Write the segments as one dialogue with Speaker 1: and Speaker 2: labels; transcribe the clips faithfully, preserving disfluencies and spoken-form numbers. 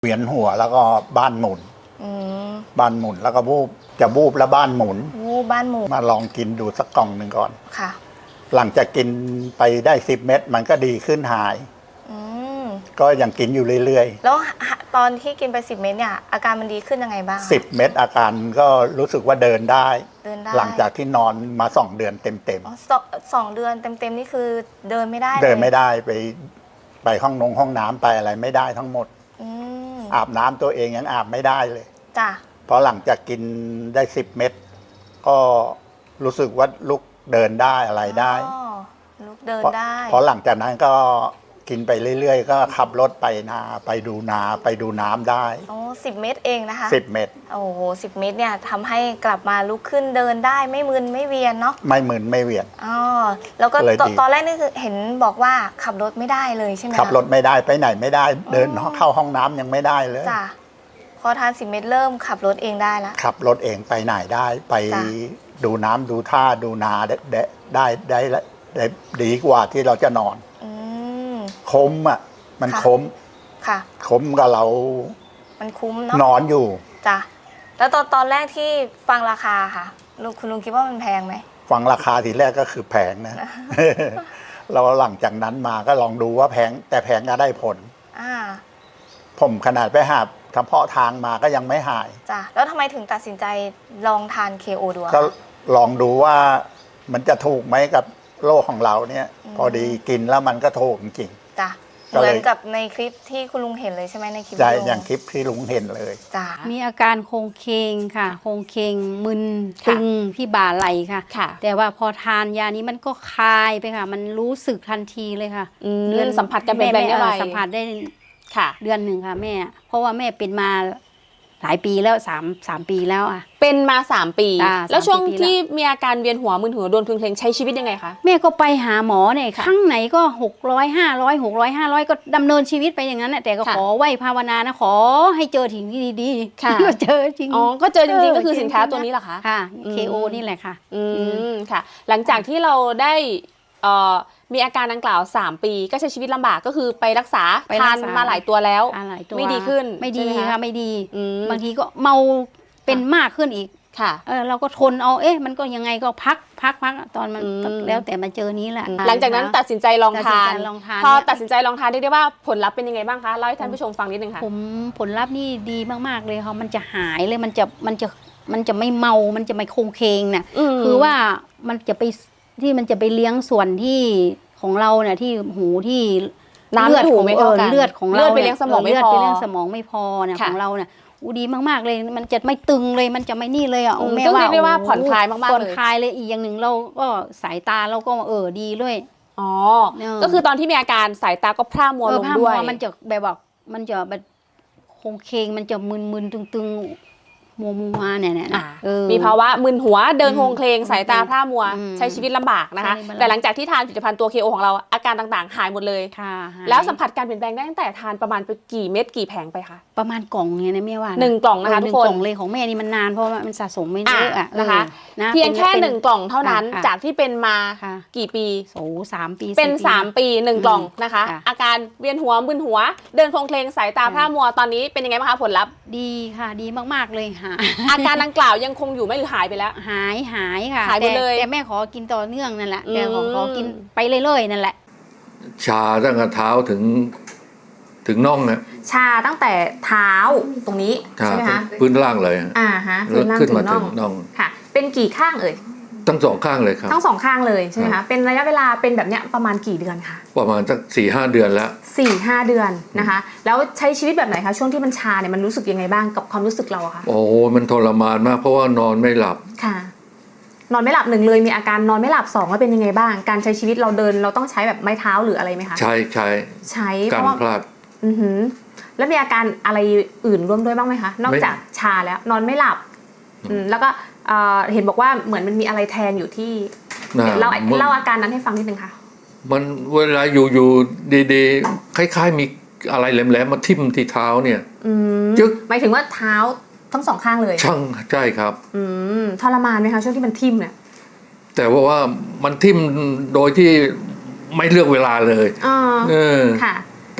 Speaker 1: เวียนหัวแล้วก็บ้านหมุนบ้านหมุนแล้วก็บูบจะบูบแล้วบ้านหมุน
Speaker 2: วูบบ้านหมุน
Speaker 1: มาลองกินดูสักกล่องหนึ่งก่อน
Speaker 2: ค่ะ
Speaker 1: หลังจากกินไปได้สิบเม็ดมันก็ดีขึ้นหายก็ยังกินอยู่เรื่อย
Speaker 2: ๆแล้วตอนที่กินไปสิบเม็ดเนี่ยอาการมันดีขึ้นยังไงบ้าง
Speaker 1: สิบเม็ดอาการก็รู้สึกว่าเดินได้
Speaker 2: เดินได้
Speaker 1: หลังจากที่นอนมาสองเดือนเต็มเต็ม
Speaker 2: สองเดือนเต็มเต็มนี่คือเดินไม่ได้
Speaker 1: เดินไม่ได้ไปไปห้องนงห้องน้ำไปอะไรไม่ได้ทั้งหมดอาบน้ำตัวเองยังอาบไม่ได้เลย
Speaker 2: จ้ะ
Speaker 1: เพราะหลังจากกินได้สิบเม็ดก็รู้สึกว่าลุกเดินได้อะไรได้
Speaker 2: ลุกเดินได้
Speaker 1: เพราะหลังจากนั้นก็กินไปเรื่อยๆก็ขับรถไปนาไปดูนาไปดูน้ำได้
Speaker 2: โอ้สิบเม็ดเองนะคะ
Speaker 1: สิบเม็ด
Speaker 2: โอ้โหสิบเม็ดเนี่ยทำให้กลับมาลุกขึ้นเดินได้ไม่มึนไม่เวียนเนาะ
Speaker 1: ไม่มึนไม่เวียน
Speaker 2: อ๋อแล้วก็ตอนแรกนี่คือเห็นบอกว่าขับรถไม่ได้เลยใช่ไหม
Speaker 1: ขับรถไม่ได้ไปไหนไม่ได้เดินเข้าห้องน้ำยังไม่ได้เลย
Speaker 2: จ้ะพอทานสิบเม็ดเริ่มขับรถเองได้แล้ว
Speaker 1: ขับรถเองไปไหนได้ไปดูน้ำดูท่าดูนาได้ได้ได้ได้ดีกว่าที่เราจะนอนคมอ่ะมันคม
Speaker 2: ค่ะ
Speaker 1: คมกับเรา
Speaker 2: มันคุ้มเนาะ
Speaker 1: นอนอยู่
Speaker 2: จ้ะแล้วตอนตอนแรกที่ฟังราคาค่ะลุงคุณลุงคิดว่ามันแพงไหม
Speaker 1: ฟังราคาทีแรกก็คือแพงนะ เราหลังจากนั้นมาก็ลองดูว่าแพงแต่แพงก็ได้ผล
Speaker 2: อ่า
Speaker 1: ผมขนาดไปหาทำเพาะทางมาก็ยังไม่หาย
Speaker 2: จ้ะแล้วทำไมถึงตัดสินใจลองทาน เค โอ ดู
Speaker 1: ก็ลองดูว่ามันจะถูกไหมกับโรคของเราเนี่ยพอดีกินแล้วมันก็ถูกจริง
Speaker 2: จ้ะเหมือนกับในคลิปที่คุณลุงเห็นเลยใช่ไหมในคลิป
Speaker 1: ใช่อย่างคลิปที่ลุงเห็นเลย
Speaker 2: จ้ะ
Speaker 3: มีอาการโครงเคงค่ะโครงเคงมึนตึงที่บ่าไหล่ค่ะแต่ว่าพอทานยานี้มันก็คลายไปค่ะมันรู้สึกทันทีเลยค่ะ
Speaker 2: เดือนสัมผัสกันเป็นแบบไหน
Speaker 3: สัมผัสได้ค่ะเดือนหนึ่งค่ะแม่เพราะว่าแม่เป็นมาหลายปีแล้วสามสามปีแล้วอ่ะ
Speaker 2: เป็นมาสามปีแล้วช่วงที่มีอาการเวียนหัวมึนหัวโดนพึงเพลงใช้ชีวิตยังไงคะ
Speaker 3: แม่ก็ไปหาหมอเนี่ยครั้งไหนก็หกร้อยห้าร้อยหกร้อยห้าร้อยก็ดำเนินชีวิตไปอย่างนั้นแต่ก็ขอไหว้ภาวนานะขอให้เจอถึงที่ดีๆก็เจอจริง
Speaker 2: อ๋อก็เจอจริงๆก็คือสินค้าตัวนี้แหละคะ
Speaker 3: ค่ะ เค โอ นี่แหละค่ะ
Speaker 2: อืมค่ะหลังจากที่เราได้มีอาการดังกล่าวสามปีก็ใช้ชีวิตลำบากก็คือไปรักษาทานมาหลายตัวแล้วไม่ดีขึ้น
Speaker 3: ไม่ดีค่ะไม่ดีบางทีก็เมาเป็นมากขึ้นอีก
Speaker 2: ค่ะ
Speaker 3: เออเราก็ทนเอาเอ๊ะมันก็ยังไงก็พักพักพักตอนมันแล้วแต่มาเจอนี้แหละ
Speaker 2: หลังจากนั้นตัดสินใจลองทานพอตัดสินใจลองทานได้ได้ว่าผลลัพธ์เป็นยังไงบ้างคะเล่าให้ท่านผู้ชมฟังนิดนึงค่ะ
Speaker 3: ผมผลลัพธ์นี่ดีมากๆเลยค่ะมันจะหายเลยมันจะมันจะมันจะไม่เมามันจะไม่โคงเคงเนี่ยคือว่ามันจะไปที่มันจะไปเลี้ยงส่วนที่ของเราเนี่ยที่หูที่
Speaker 2: เลือดของ
Speaker 3: เลือดของเรา
Speaker 2: เลือดไปเลี้ยงสมองไม่พอ
Speaker 3: เลือดไปเลี้ยงสมองไม่พอเนี่ยของเราเนี่ยดีมากๆเลยมันจะไม่ตึงเลยมันจะไม่นี่เลยอ่ะ
Speaker 2: แม่ว่าเรียกว่าผ่อนคลายมากๆเลย
Speaker 3: ผ่อนคลายเลยอีกอย่างหนึ่งเราก็สายตาเราก็เออดีด้วย
Speaker 2: อ๋อก็คือตอนที่มีอาการสายตาก็พร่ามัวลงด้วย
Speaker 3: มันจะแบบว่ามันจะแบบโคงเคงมันจะมึนๆตึงๆมัวมัวเนี่ยเนี่ย
Speaker 2: มีภาวะมึนหัวเดินโคลงเคลงสายตาพร่ามัวใช้ชีวิตลำบากนะคะแต่หลังจากที่ทานผลิตภัณฑ์ตัว เค โอ ของเราอาการต่างๆหายหมดเลยแล้วสัมผัสการเปลี่ยนแปลงได้ตั้งแต่ทานประมาณไปกี่เม็ดกี่แผงไปคะ
Speaker 3: ประมาณกล่องเนี่ยนะแม่ว่า
Speaker 2: หนึ่งกล่องนะคะทุกคน
Speaker 3: กล่องเลยของแม่นี่มันนานเพราะว่ามันสะสมไม่เยอะอ่ะ
Speaker 2: นะคะเพียงแค่หนึ่งกล่องเท่านั้นจากที่เป็นมากี่ปี
Speaker 3: โอ้สามปี
Speaker 2: เป็นสามปีหนึ่งกล่องนะคะอาการเวียนหัวมึนหัวเดินโคลงเคลงสายตาพร่ามัวตอนนี้เป็นยังไงบ้างคะผลลัพธ์
Speaker 3: ดีค่ะดีมากๆเลยค่ะ
Speaker 2: อาการดังกล่าวยังคงอยู่ไม่หรือหายไปแล้ว
Speaker 3: หายหายค่ะ
Speaker 2: หายไปเลย
Speaker 3: แต่แม่ขอกินต่อเนื่องนั่นแหละแต่ขอกินไปเรื่อยๆนั่นแหละ
Speaker 4: ชาตั้งแต่เท้าถึงถึงน่องนะ
Speaker 2: ชาตั้งแต่เท้าตรงนี้ใช่ไหมคะ
Speaker 4: พื้นล่างเลย
Speaker 2: อ่าฮะพื้นล่างถึงน่องค่ะเป็นกี่ข้างเอ่ย
Speaker 4: ทั้งสองข้างเลยครับ
Speaker 2: ทั้งสองข้างเลยใช่ไหมคะเป็นระยะเวลาเป็นแบบเนี้ยประมาณกี่เดือนคะ
Speaker 4: ประมาณสักสี่ห้าเดือนแล้ว
Speaker 2: สี่ห้าเดือนนะคะแล้วใช้ชีวิตแบบไหนคะช่วงที่มันชาเนี่ยมันรู้สึกยังไงบ้างกับความรู้สึกเราอะคะ
Speaker 4: โอ้มันทรมานมากเพราะว่านอนไม่หลับ
Speaker 2: ค่ะนอนไม่หลับหนึ่งเลยมีอาการนอนไม่หลับสองแล้วเป็นยังไงบ้างการใช้ชีวิตเราเดินเราต้องใช้แบบไม้เท้าหรืออะไรไหมคะ
Speaker 4: ใช้ใช้
Speaker 2: ใช้
Speaker 4: การพลาด
Speaker 2: อือหือแล้วมีอาการอะไรอื่นร่วมด้วยบ้างไหมคะนอกจากชาแล้วนอนไม่หลับอืมแล้วก็เห็นบอกว่าเหมือนมันมีอะไรแทงอยู่ที่เล่าเล่าอาการนั้นให้ฟังนิดนึงค่ะ
Speaker 4: มันเวลาอยู่อยู่ดีๆคล้ายๆมีอะไรแหลมๆมาทิ่มที่เท้าเนี่ย
Speaker 2: จึ๊กหมายถึงว่าเท้าทั้งสองข้างเลย
Speaker 4: ช่างใช่ครับ
Speaker 2: อืมทรมานไหมคะช่วงที่มันทิ่มเนี่ย
Speaker 4: แต่ว่าว่ามันทิ่มโดยที่ไม่เลือกเวลาเลย
Speaker 2: อ๋อเออค่ะ
Speaker 4: แต่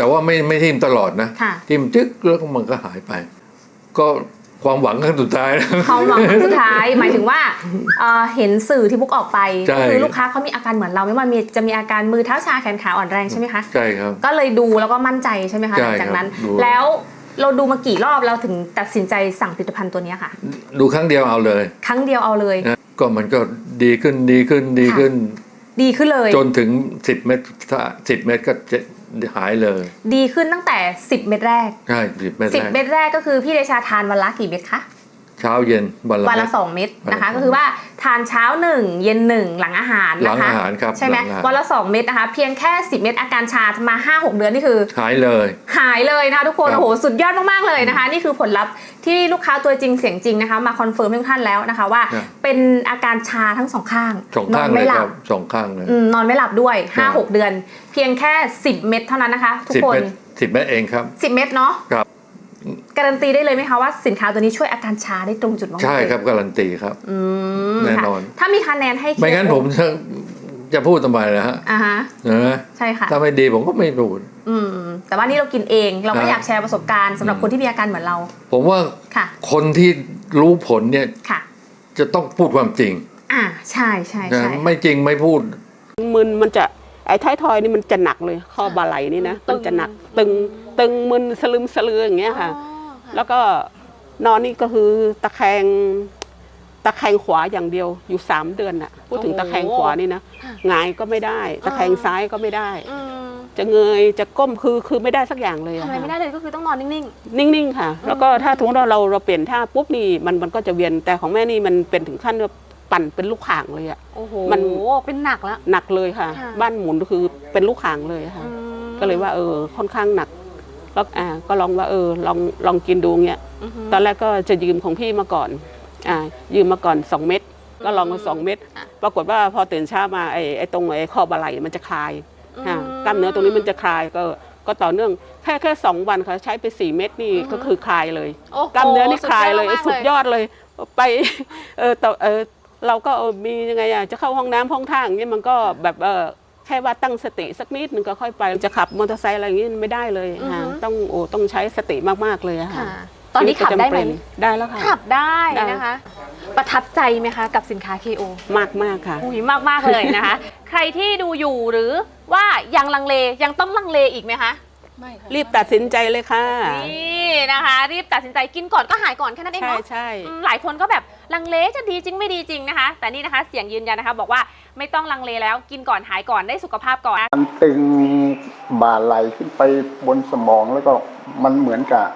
Speaker 4: แต่ว่าไม่ไม่ทิ่มตลอดนะ
Speaker 2: ค่ะ
Speaker 4: ทิ่มจึ๊กแล้วก็มันก็หายไป ก็ความหวังครั้งสุดท้ายนะ
Speaker 2: ความหวังครั้งสุดท้าย หมายถึงว่าเอ่อเห็นสื่อที่บุ๊กออกไป
Speaker 4: ใช่
Speaker 2: ก็คือลูกค้าเขามีอาการเหมือนเราไม่ว่ามีจะมีอาการมือเท้าชาแขนขาอ่อนแรงใช่ไหมคะ
Speaker 4: ใช่ครับ
Speaker 2: ก็เลยดูแล้วก็มั่นใจใช่ไหมคะ
Speaker 4: ใช่
Speaker 2: หลังจากนั้น
Speaker 4: ครับดู
Speaker 2: แล้วเราดูมากี่รอบเราถึงตัดสินใจสั่งผลิตภัณฑ์ตัวนี้ค่ะ
Speaker 4: ดูครั้งเดียวเอาเลย
Speaker 2: ครั้งเดียวเอาเลย
Speaker 4: นะก็มันก็ดีขึ้นดีขึ้นดีขึ้น
Speaker 2: ดีขึ้นเลย
Speaker 4: จนถึงสิบเม็ดถ้าสิบเม็ดก็จะหายเลย
Speaker 2: ดีขึ้นตั้งแต่สิบเม็ดแรก
Speaker 4: ใช่สิบเม็ด
Speaker 2: สิบ
Speaker 4: แรก
Speaker 2: เม็ดแรกก็คือพี่เดชาทานวันละกี่เม็ดคะ
Speaker 4: เช้าเย็นวันละ
Speaker 2: วันละ
Speaker 4: เม็ด
Speaker 2: สองเม็ดนะคะ
Speaker 4: วันละสอง
Speaker 2: ก็คือว่าทานเช้าหนึ่งเย็นหนึ่งหลังอาหาร
Speaker 4: หลั
Speaker 2: นะ
Speaker 4: ง
Speaker 2: คะ
Speaker 4: อาหารครับ
Speaker 2: ใช่ไหม
Speaker 4: ลังอาาร
Speaker 2: วันละสองเม็ดนะคะเพียงแค่สิบเม็ดอาการชามา ห้าหก เดือนนี่คือ
Speaker 4: หายเลย
Speaker 2: หายเลยนะคะทุกคน
Speaker 4: ครับ
Speaker 2: โอ้โหสุดยอดมากๆเลยนะคะ นี่คือผลลัพธ์ที่ลูกค้าตัวจริงเสียงจริงนะคะมาคอนเฟิร์มให้ทุกท่านแล้วนะคะว่า
Speaker 4: ครับ
Speaker 2: เป็นอาการชาทั้งสองข้าง
Speaker 4: สอง
Speaker 2: นอ
Speaker 4: ข้าง
Speaker 2: น
Speaker 4: เล
Speaker 2: ไม่
Speaker 4: ย
Speaker 2: หลั
Speaker 4: ครับ บสองข้างเลย
Speaker 2: อืมนอนไม่หลับด้วย
Speaker 4: ครั
Speaker 2: ห้า
Speaker 4: บ
Speaker 2: หก เดือน เพียงแค่สิบเม็ดเท่านั้นนะคะทุก
Speaker 4: สิบ
Speaker 2: คน
Speaker 4: เม็ดสิบเม็ดเองครับ
Speaker 2: สิบเม็ดเนาะ
Speaker 4: ครับ
Speaker 2: การันตีได้เลยไหมคะว่าสินค้าตัวนี้ช่วยอาการชาได้ตรงจุดมากๆ
Speaker 4: ใช่
Speaker 2: เลย
Speaker 4: ครับการันตีครับ
Speaker 2: อืม
Speaker 4: แน่
Speaker 2: ค่ะ
Speaker 4: นอน
Speaker 2: ถ้ามีคะแนนให้
Speaker 4: ไม่งั้นผมจะจะพูดทำไมนะฮะ
Speaker 2: อ่าฮะ
Speaker 4: นะ
Speaker 2: ใช่ค่ะ
Speaker 4: ถ้าไม่ดีผมก็ไม่พูด
Speaker 2: อืมแต่ว่านี่เรากินเองเราก็
Speaker 4: ครับ
Speaker 2: อยากแชร์ประสบการณ์สำหรับ
Speaker 4: อืม
Speaker 2: คนที่มีอาการเหมือนเรา
Speaker 4: ผมว่า
Speaker 2: ค่ะ
Speaker 4: คนที่รู้ผลเนี่ย
Speaker 2: ค่ะ
Speaker 4: จะต้องพูดความจริง
Speaker 2: อ่าใช่ใช่
Speaker 4: นะ
Speaker 2: ใช่
Speaker 4: ไม่จริงไม่พูด
Speaker 5: มึนมันจะไอ้ท้ายทอยนี่มันจะหนักเลยข้อบาไหลนี่นะมันจะหนักตึงตึงมึนสลึมสลืออย่างเงี้ยค่ะ แล้วก็นอนนี่ก็คือตะแคงตะแคงขวาอย่างเดียวอยู่สามเดือนน่ะพูดถึงตะแคงขวานี่นะหงายก็ไม่ได้ ตะแคงซ้ายก็ไม่ได้
Speaker 6: อืม
Speaker 5: จะเงยจะก้มคือคือไม่ได้สักอย่างเลย
Speaker 6: ทำ
Speaker 5: อะ
Speaker 6: อะไรไม่ได้
Speaker 5: ค่ะ
Speaker 6: เลยก็คือต้องนอนนิ่ง
Speaker 5: นิ่งๆค่ะ แล้วก็ถ้าสมมติว่าเราเราเปลี่ยนท่าปุ๊บนี่มันมันก็จะเวียนแต่ของแม่นี่มันเป็นถึงขั้นว่าปั่นเป็นลูกข่างเลยอะ
Speaker 6: ๆ โอ้โห
Speaker 5: มัน
Speaker 6: เป็นหนักแล้ว
Speaker 5: หนักเลยค่ะ
Speaker 6: ค่ะ
Speaker 5: บ้านหมุนก็คือเป็นลูกข่างเลยค่ะ
Speaker 6: อืม
Speaker 5: ก็เลยว่าเออค่อนข้างหนักแล้วอ่าก็ลองว่าเออลองลองกินดูเงี้ย
Speaker 6: อือฮึ
Speaker 5: ตอนแรกก็จะยืมของพี่มาก่อนอ่ายืมมาก่อนสองเม็ดก็ลองมาสองเม็ด
Speaker 6: อ่ะ
Speaker 5: ปรากฏว่าพอตื่นเช้ามาไอ้ไอ้ตรงไอ้ข้อบาไหล่มันจะคลาย
Speaker 6: อืม
Speaker 5: อ่ากล้ามเนื้อตรงนี้มันจะคลายก็ก็ต่อเนื่องแค่แค่สองวันค่ะใช้ไปสี่เม็ดนี่ก็คือคลายเลย
Speaker 6: โอ้โห
Speaker 5: กล้ามเนื้อนี่คลายเลย
Speaker 6: สุ
Speaker 5: สุ
Speaker 6: ด
Speaker 5: ด
Speaker 6: ย
Speaker 5: ย
Speaker 6: อ
Speaker 5: อ
Speaker 6: ด
Speaker 5: ดเลยไปเออแต่เออเราก็เออมียังไงอะจะเข้าห้องน้ำห้องท่าอย่างนี้มันก็แบบเออแค่ว่าตั้งสติสักนิดนึงก็ค่อยไปจะขับมอเตอร์ไซค์อะไรอย่างนี้ไม่ได้เลยค่ะต้องโอ้ต้องใช้สติมากๆเลยอะ
Speaker 6: ค่ะ
Speaker 5: ค่ะ
Speaker 6: ตอนนี้ขับได้ไหม
Speaker 5: ชีวิตประจำเป็นได้แล้วค่ะ
Speaker 6: ขับได้
Speaker 5: ได้
Speaker 6: นะคะ ประทับใจไหมคะกับสินค้า เค โอ
Speaker 5: มากมากๆค่ะ
Speaker 6: อุ้ยมากมากๆเลยนะคะ ใครที่ดูอยู่หรือว่ายังลังเลยังต้องลังเลอีกไหมคะ
Speaker 5: รีบตัดสินใจเลยค่ะ
Speaker 6: นี่นะคะ รีบตัดสินใจกินก่อนก็หายก่อนแค่นั้นเอง
Speaker 5: ใช่
Speaker 6: เนาะ
Speaker 5: ใช่
Speaker 6: อืมหลายคนก็แบบลังเลจะดีจริงไม่ดีจริงนะคะ แต่นี่นะคะเสียงยืนยันนะคะบอกว่าไม่ต้องลังเลแล้วกินก่อนหายก่อนได้สุขภาพก่อน
Speaker 1: มันตึงบ่าไหลขึ้นไปบนสมองแล้วก็มันเหมือนกับ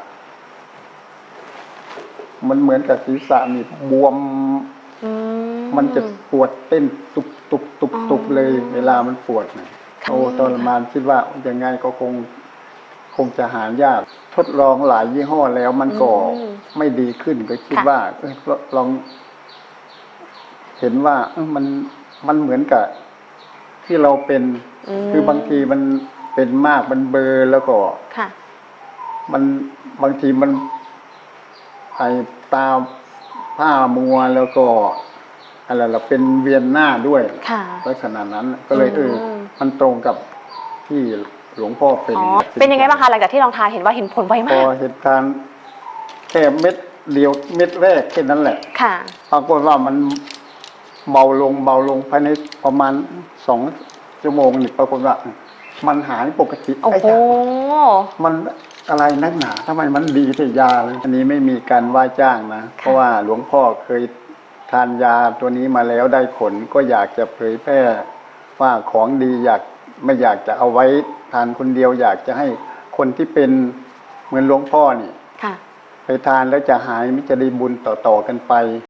Speaker 1: มันเหมือนกับศีรษะนี่บวม มันจะปวดเต้นตุบตุบตุบตุบเลย เวลามันปวดเนี่ยโอ้ทรมานคิดว่ายังไงก็คง คงจะหายาก ทดลองหลายยี่ห้อแล้วมันก็
Speaker 6: อืม
Speaker 1: ไม่ดีขึ้นก็คิด
Speaker 6: ค่ะ
Speaker 1: ว่าเอ้ยลอง เห็นว่าเอ้ยมันมันเหมือนกับ ที่เราเป็น คือบางทีมันเป็นมากมันเบลอแล้วก็
Speaker 6: ค่ะ
Speaker 1: มันบางทีมันไอตาผ้ามัวแล้วก็อะไรเราเป็นเวียนหน้าด้วย
Speaker 6: ค่ะ
Speaker 1: ลักษณะนั้นก็เลยเอออ
Speaker 6: ม
Speaker 1: มันตรงกับที่หลวงพ่อเป็น
Speaker 6: อ๋อเป็นยังไงบ้างคะหลังจากที่ลองทานเห็นว่าเห็นผลไว
Speaker 1: พ
Speaker 6: มา
Speaker 1: อก เหตุการณ์แค่เม็ดเดียวเม็ดแรกแค่นั้นแหละ
Speaker 6: ค่ะ
Speaker 1: ปรากฏว่ามันเบาลงเบาลงภายในประมาณสองชั่วโมงนี่ปรากฏว่า มันหายปกติ
Speaker 6: โอ้
Speaker 1: ไอ้
Speaker 6: โห
Speaker 1: ยามันอะไรนักหนาทำไมมันดีแต่ยาเลยอันนี้ไม่มีการว่าจ้างนะ เพราะว่าหลวงพ่อเคยทานยาตัวนี้มาแล้วได้ผลก็อยากจะเผยแพร่ว่าของดีอยากไม่อยากจะเอาไว้ทานคนเดียว อยากจะให้คนที่เป็นเหมือนหลวงพ่อนี่
Speaker 6: ค่ะ
Speaker 1: ไปทานแล้วจะหายมิจะได้บุญต่อๆกันไป